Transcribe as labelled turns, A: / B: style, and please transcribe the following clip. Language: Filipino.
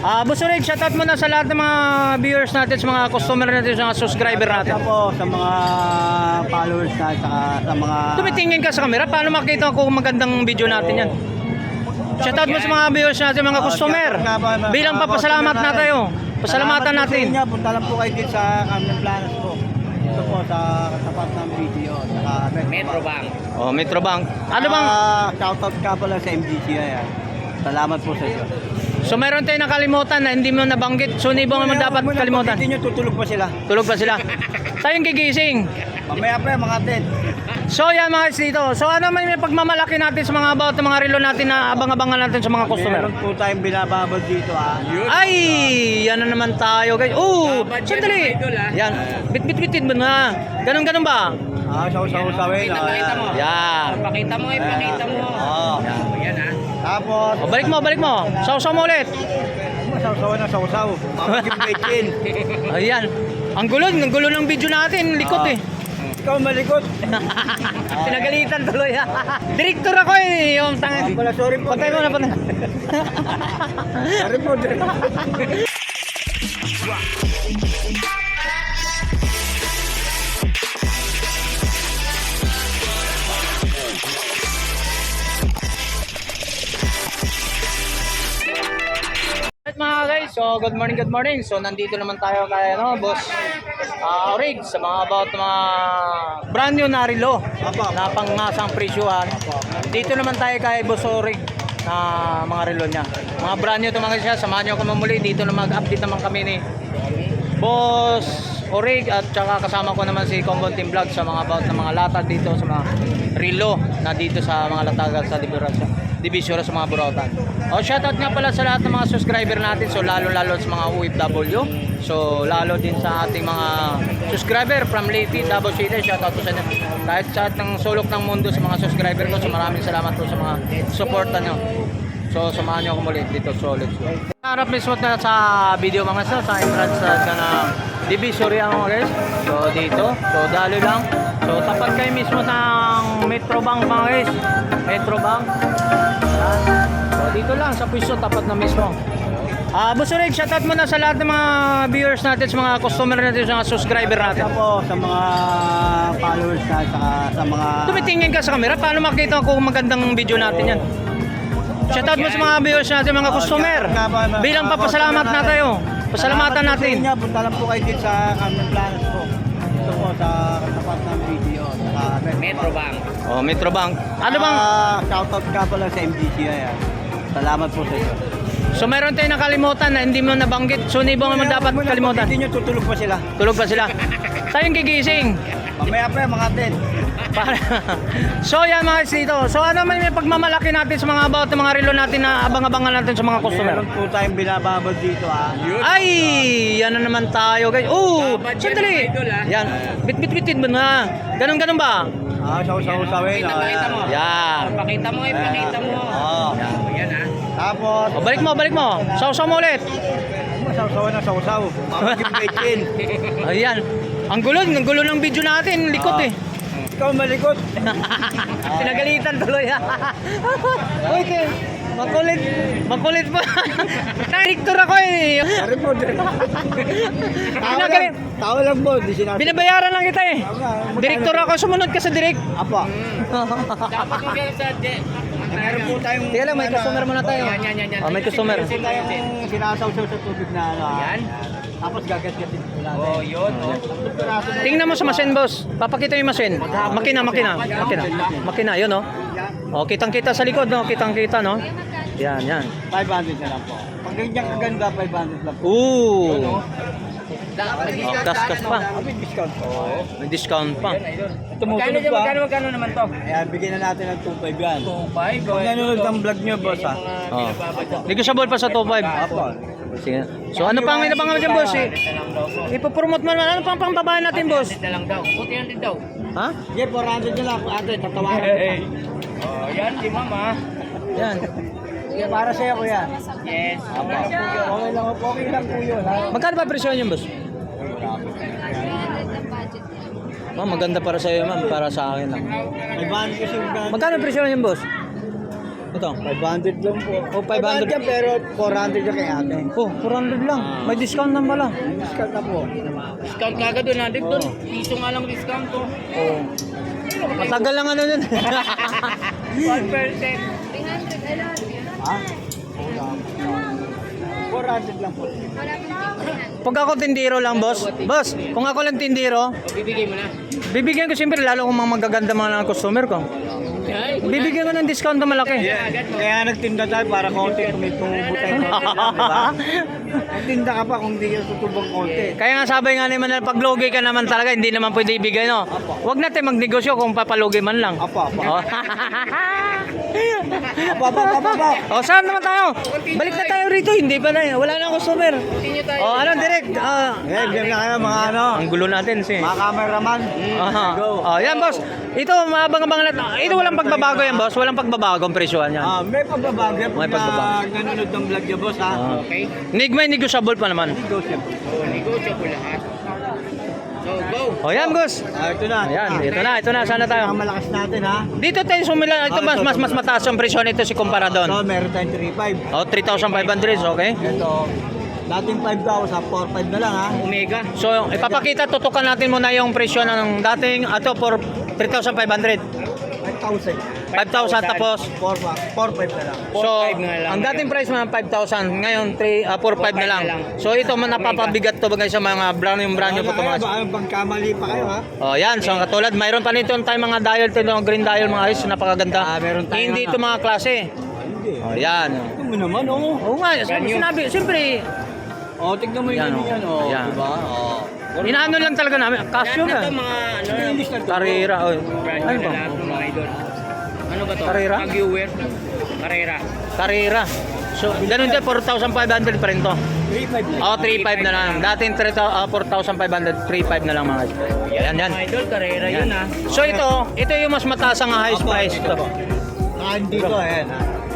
A: Boss Orig, shoutout mo na sa lahat ng mga viewers natin, sa mga customer natin, sa mga subscriber natin.
B: Sa po, sa mga followers na, saka sa mga...
A: Tumitingin ka sa camera, paano makita kung magandang video natin yan? Shoutout mo sa mga viewers natin, mga customer. Bilang papasalamat na tayo. Pasalamatan natin.
B: Punta lang po kayo dito sa Carmen Planas po. Ito po sa katapat ng video. Saka
C: Metro Bank.
A: Oh, Metro Bank. Ano bang...
B: Shoutout ka pala sa MGCI. Salamat po sa iyo.
A: So meron tayong nakalimutan na hindi mo nabanggit. So hindi mo naman dapat kalimutan.
B: Hindi nyo tutulog pa sila.
A: Tulog pa sila. Tayong gigising.
B: Mamaya pa mga 10.
A: So yan mga guys dito. So ano may pagmamalaki natin sa mga about ng mga relo natin na abang-abangan natin sa mga customer.
B: Meron po tayong binababag dito
A: Ay, yan na naman tayo guys. Sandali. Yan. Bit-bit-bitin mo na. Ganun ba?
B: Saw-saw-sawin.
C: Pakita mo.
A: Yan.
C: Pakita mo, pakita mo.
B: Oo.
C: Yan ha.
B: Tapos,
A: Balik mo. Sausaw mo ulit.
B: saw-sawan na saw-saw. Mamaging
A: Ayan. Ang gulo ng video natin. Likot eh.
B: Ikaw malikot.
A: Pinagalitan tuloy ha. Direktor ako eh. Yung tanga.
B: Pala, sorry po.
A: Patay mo na.
B: Sorry po.
A: Alright mga guys, so good morning. So nandito naman tayo kay Boss Orig sa mga about mga brand new na relo na pangasang presyuhan. Dito naman tayo kay Boss Orig na mga relo niya. Mga brand new ito mga siya, samahan niyo ako mamuli dito na mag-update naman kami ni Boss Orig at saka kasama ko naman si Congon Team Vlog sa mga about ng mga latag dito sa mga relo na dito sa mga latagan sa Divisoria sa mga Burautan. Shoutout nga pala sa lahat ng mga subscriber natin. So lalo sa mga OFW. So lalo din sa ating mga subscriber from Leyte, Davao City. Shoutout po sa inyo. Kahit sa ng sulok ng mundo sa mga subscriber ko. So maraming salamat po sa mga suporta nyo. So samahan nyo ako muli dito solid. Harap mismo na sa video mga sa entrance na Divisoria mga guys. So dito. So dalo lang. So tapat kayo mismo ng Metro Bank mga guys. Metro Bank. So dito lang sa pwesto tapat na mismo. Boss Orig, shoutout mo na sa lahat ng mga viewers natin, sa mga customer natin, sa mga subscriber natin.
B: Sa po, sa mga followers na, saka sa mga...
A: Tumitingin ka sa camera, paano makita kung magandang video natin yan? Shoutout mo sa mga viewers natin, mga customer. Bilang papasalamat na tayo. Pasalamatan natin.
B: Punta lang po kayo dito sa Carmen Planas po. Ito po sa katapat ng video.
C: Metro Bank.
A: Oh, Metro Bank. Ano bang...
B: Shoutout ka pala sa MGCI. Salamat po sa iyo.
A: So meron tayong nakalimutan na hindi mo nabanggit. So hindi mo naman dapat kalimutan.
B: Hindi nyo tutulog pa sila.
A: Tulog pa sila. Tayong gigising.
B: Mamaya pa mga 10.
A: So yan mga guys dito. So ano may pagmamalaki natin sa mga about ng mga relo natin na abang-abangan natin sa mga customer.
B: Meron po tayong binababag dito
A: Ay, yan na naman tayo guys. Sandali. Yan. Bit-bitin mo na. Ganun ba?
B: Saw-saw-sawin.
C: Pakita mo.
A: Yan.
C: Pakita mo, pakita mo.
B: Oo.
C: Yan ha.
B: Tapos,
A: Balik mo. Sausaw mo ulit.
B: saw-sawan na saw-saw. Mamaging
A: Ayan. Ang gulo ng video natin. Likot eh.
B: Ikaw malikot.
A: Pinagalitan tuloy ha. Uy, makulit pa. Direktor ako eh.
B: Sorry po. Tao lang po. Di sinabi.
A: Binabayaran lang kita eh. Direktor ako, sumunod ka sa direct.
B: Apa.
C: Dapat mo kaya sa
B: Meron po tayong...
A: Teka lang, may customer muna tayo.
C: Yan.
A: May customer.
B: Meron tayong sinasaw-saw sa tubig na
C: Yan.
B: Tapos gagat-gatin po natin.
C: Oh, yun.
A: Tingnan mo sa machine, boss. Papakita yung machine. Makina, yun, no? Oh, kitang-kita sa likod, no? Kitang-kita, no? Yan.
B: 500 na lang po. Pag ganyan kaganda, 500 lang po.
A: Ooh. Kas pa.
B: May discount po.
A: May discount pa.
B: Tumutulog pa.
C: Magkano naman to?
B: Ayan, bigyan na natin ng 2.5 yan.
C: 2.5.
B: Pag nanonood ng vlog nyo, boss, ha?
A: Oh. Negotiable pa sa 2.5.
B: Apo.
A: Sige. So ano pang inabangan dyan, boss? Ipopromote mo naman. Ano pang pangbabahan natin, boss?
C: Na lang daw. Buti yan din daw.
A: Ha?
B: Sige, 400 na lang po. Ate, tatawaran ko pa.
C: Oh, yan si mama.
A: Yan.
B: Sige, para sa'yo, kuya.
C: Yes.
B: Apo. Okay lang po yun, ha?
A: Magkano ba presyo yun, boss? Ma'am, maganda para sa iyo, ma'am. Para sa akin lang.
B: May ban kasi yung gan.
A: Magkano presyo yun, boss? Ito.
B: 500 lang po.
A: Oh, 500.
B: yan, pero 400 yung kay ate.
A: Oh, 400 lang. May discount na pala.
B: Discount na po.
C: Discount kagad doon natin doon. Piso nga lang discount to.
A: Oh. Matagal lang ano yun.
C: 1%.
B: Ha? 400 lang po.
A: Pag ako tindiro lang, boss. Boss, kung ako lang tindiro,
C: O, bibigay mo na.
A: bibigyan ko siyempre lalo kung mga magaganda mga customer ko.
C: Ay,
A: Bibigyan ko ng discount na malaki.
B: Kaya nagtinda tayo para konti tumutay konti lang, di ba? Nagtinda ka pa kung di ka tutubang konti.
A: Kaya nga sabi nga naman na pag lugi ka naman talaga, hindi naman pwede ibigay, no? Huwag natin magnegosyo kung papalugi man lang.
B: Apa.
A: Oh.
B: Apa.
A: Oh, saan naman tayo? Balik na tayo rito, hindi pa na. Wala na customer.
C: continue tayo.
A: Oh, ano, direct?
B: Diyan na kayo mga ano.
A: Ang gulo natin, si.
B: Mga cameraman.
A: Aha.
B: Go.
A: Oh, yan, boss. Ito, maabang-abang natin. Ito, walang pagbabago yan, boss. Walang pagbabago ang presyohan yan.
B: May pagbabago.
A: May pagbabago.
B: Nanonood ng vlog niya, boss, ha?
A: Ah.
C: Okay?
A: May negotiable pa naman.
B: Go, chef.
C: So, negosyo po lahat. So, go.
A: Oh, yan, boss.
B: Ito na.
A: Ayan, ito na. Sana tayo.
B: Ang malakas natin, ha?
A: Dito tayo sumila. Ito, mas mataas ang presyo nito si kumpara
B: So,
A: doon.
B: meron tayong 3.5.
A: Oh, 3,500, okay?
B: Ito, dating 5,000 sa 4.5 na lang, ha?
C: Omega.
A: So, ipapakita, tutukan natin muna yung presyo ng dating, ito, for 3,500.
B: 5,000.
A: 5,000 tapos.
B: 4.5 na lang.
A: So,
C: 4,500 na lang.
A: ang dating price mga 5,000, ngayon 4,500 na lang. So, ito man napapabigat to bagay sa mga brand new po ito mga.
B: Baka pagkamali pa kayo, ha?
A: Oh, yan. So, katulad, mayroon pa nito tayo mga dial, ito yung green dial mga guys, napakaganda.
B: Meron tayo
A: Hindi
B: mga-
A: ito mga klase.
B: Hindi.
A: Oh, yan.
B: Ito mo naman, oh.
A: Oo nga, sinabi, siyempre,
B: Oh, tignan mo
A: Yan,
B: yung
A: oh.
B: yan, oh.
A: Yan.
B: Diba? Oh.
A: inaano lang talaga namin. Casio
C: Lahat na
A: ka.
C: to mga ano na.
B: English na to.
A: Carrera. Oh.
C: Brand
A: Ano
C: new
A: ba?
C: na lahat ng mga idol. Ano ba to?
A: Carrera?
C: Pag-viewer. Carrera.
A: Carrera. So, ganun din, 4,500 pa rin to.
B: 3.5 na.
A: Oh, 3,500 na lang. Dating 4,500, 3,500 na lang mga guys. Yan, yan.
C: Mga idol, Carrera yun ha.
A: So ito yung mas mataas ang highest
B: Opo,
A: price
B: ito
A: to.
B: po. Dito, ayan, ha?